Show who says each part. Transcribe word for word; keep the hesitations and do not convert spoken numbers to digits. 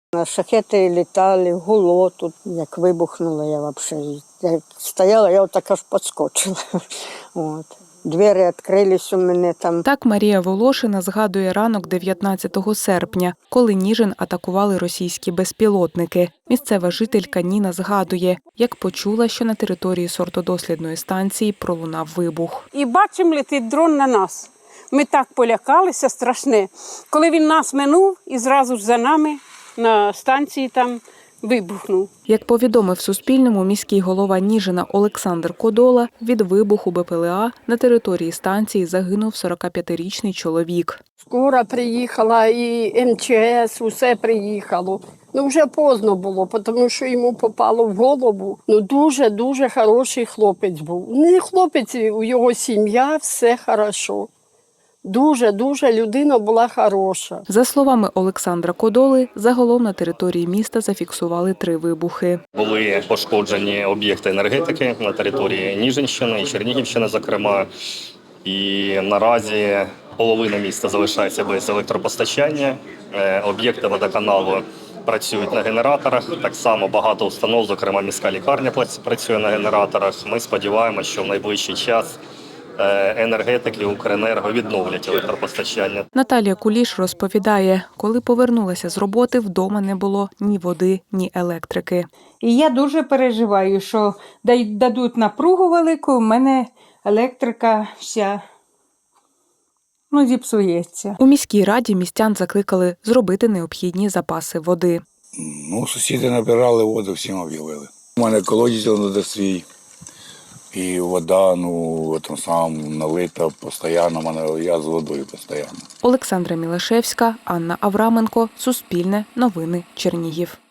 Speaker 1: Шахеди літали, гуло тут, як вибухнуло, я взагалі я стояла, я отак аж підскочила. От. Двері відкрились у мене там.
Speaker 2: Так Марія Волошина згадує ранок дев'ятнадцятого серпня, коли Ніжин атакували російські безпілотники. Місцева жителька Ніна згадує, як почула, що на території сортодослідної станції пролунав вибух.
Speaker 3: І бачимо, летить дрон на нас. Ми так полякалися, страшне. Коли він нас минув, і зразу ж за нами на станції там вибухнув.
Speaker 2: Як повідомив Суспільному міський голова Ніжина Олександр Кодола, від вибуху БПЛА на території станції загинув сорокап'ятирічний чоловік.
Speaker 4: Скоро приїхала і ем че ес, усе приїхало. Ну вже поздно було, тому що йому попало в голову. Ну дуже-дуже хороший хлопець був. Не хлопець, у його сім'я, все хорошо. Дуже-дуже людина була хороша.
Speaker 2: За словами Олександра Кодоли, загалом на території міста зафіксували три вибухи.
Speaker 5: Були пошкоджені об'єкти енергетики на території Ніжинщини і Чернігівщини, зокрема. І наразі половина міста залишається без електропостачання. Об'єкти водоканалу працюють на генераторах. Так само багато установ, зокрема міська лікарня, працює на генераторах. Ми сподіваємося, що в найближчий час енергетики Укренерго відновлять електропостачання.
Speaker 2: Наталія Куліш розповідає, коли повернулася з роботи, вдома не було ні води, ні електрики.
Speaker 6: І я дуже переживаю, що дадуть напругу велику, у мене електрика вся ну, зіпсується.
Speaker 2: У міській раді містян закликали зробити необхідні запаси води.
Speaker 7: Ну, сусіди набирали воду, всім об'явили. У мене колодязь на свій. І вода, ну, там сам налита постійно, мене я з водою постійно.
Speaker 2: Олександра Мілашевська, Анна Авраменко, Суспільне, Новини, Чернігів.